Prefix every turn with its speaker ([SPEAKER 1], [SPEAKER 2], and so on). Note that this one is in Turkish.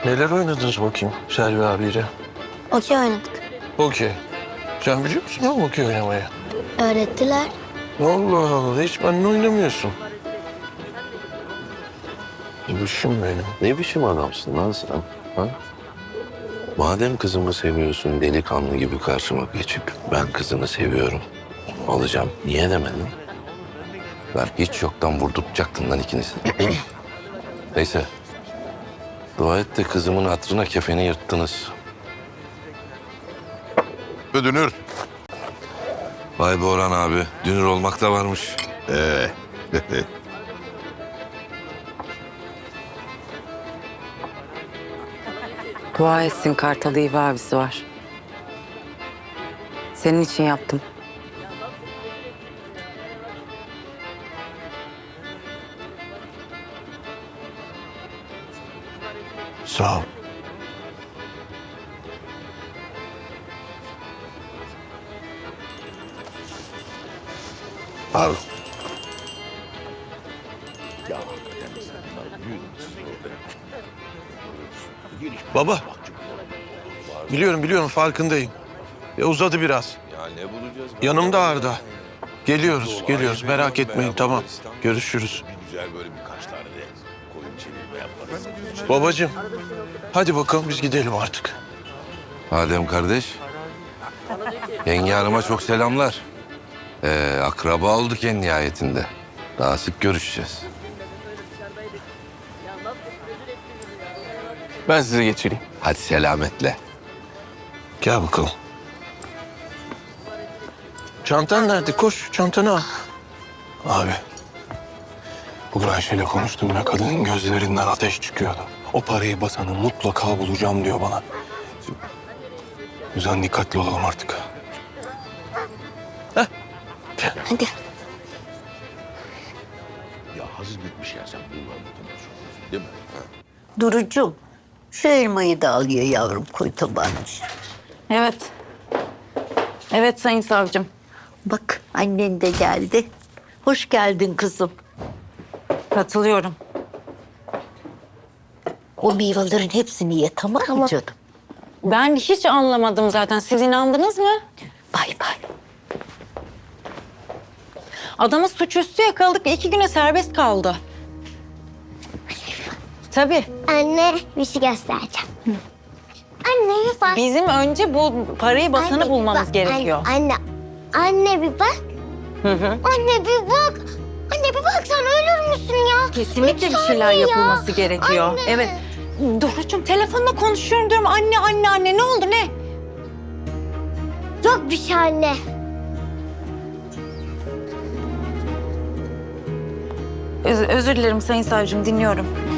[SPEAKER 1] Neler oynadınız bakayım Selvi abiyle?
[SPEAKER 2] Okey oynadık.
[SPEAKER 1] Okey. Sen biliyor musun oğlum okey oynamayı?
[SPEAKER 2] Öğrettiler.
[SPEAKER 1] Allah Allah, hiç benimle oynamıyorsun. Gülüşüm benim.
[SPEAKER 3] Ne biçim adamsın lan sen? Ha? Madem kızımı seviyorsun delikanlı gibi karşıma geçip ben kızını seviyorum alacağım. Niye demedin? Ben hiç yoktan vurdurtacaktın lan ikinizi. Neyse. Dua et de kızımın hatırına kefeni yırttınız.
[SPEAKER 4] Dünür.
[SPEAKER 3] Vay be Orhan abi. Dünür olmak da varmış.
[SPEAKER 5] Dua etsin Kartal iyi bir abisi var. Senin için yaptım.
[SPEAKER 1] Sağ ol.
[SPEAKER 3] Pardon.
[SPEAKER 1] Baba. Biliyorum farkındayım. Uzadı biraz.
[SPEAKER 3] Ya ne bulacağız?
[SPEAKER 1] Yanımda Arda. Geliyoruz merak etmeyin tamam. Görüşürüz.
[SPEAKER 4] Güzel böyle birkaç tane de koyun çevirme yaparız.
[SPEAKER 1] Babacığım hadi bakalım biz gidelim artık.
[SPEAKER 3] Adem kardeş. Yenge hanıma çok selamlar. Akraba olduk en nihayetinde. Daha sık görüşeceğiz.
[SPEAKER 1] Ben size geçireyim.
[SPEAKER 3] Hadi selametle.
[SPEAKER 1] Gel bakalım. Çantan nerede? Koş çantanı al.
[SPEAKER 6] Abi, bugün Ayşe'yle konuştum ve kadının gözlerinden ateş çıkıyordu. O parayı basanı mutlaka bulacağım diyor bana. O yüzden dikkatli olalım artık.
[SPEAKER 2] Hadi.
[SPEAKER 4] Ya hazır bitmiş ya sen bunu anlatamıyorsun. Değil mi?
[SPEAKER 7] Durucuğum, şu elmayı da al ye yavrum, koy tabağına.
[SPEAKER 5] Evet. Evet sayın savcım.
[SPEAKER 7] Bak, annen de geldi. Hoş geldin kızım.
[SPEAKER 5] Katılıyorum.
[SPEAKER 7] O meyvelerin hepsini ye, tamam mı canım?
[SPEAKER 5] Ben hiç anlamadım zaten. Siz inandınız mı?
[SPEAKER 7] Bay bay.
[SPEAKER 5] Adamı suçüstü yakaladık. 2 güne serbest kaldı. Tabii.
[SPEAKER 2] Anne bir şey göstereceğim. Anne bir bak.
[SPEAKER 5] Bizim önce bu parayı basanı
[SPEAKER 2] Anne, bir
[SPEAKER 5] bulmamız
[SPEAKER 2] bak.
[SPEAKER 5] gerekiyor.
[SPEAKER 2] Anne bir bak. Anne bir bak. Anne bir bak sen ölür müsün ya?
[SPEAKER 5] Kesinlikle bir
[SPEAKER 2] Lütfen
[SPEAKER 5] şeyler
[SPEAKER 2] ya.
[SPEAKER 5] yapılması gerekiyor.
[SPEAKER 2] Anne.
[SPEAKER 5] Evet. Doğrucuğum telefonla konuşuyorum diyorum. Anne ne oldu ne?
[SPEAKER 2] Yok bir şey anne.
[SPEAKER 5] Özür dilerim sayın savcım dinliyorum.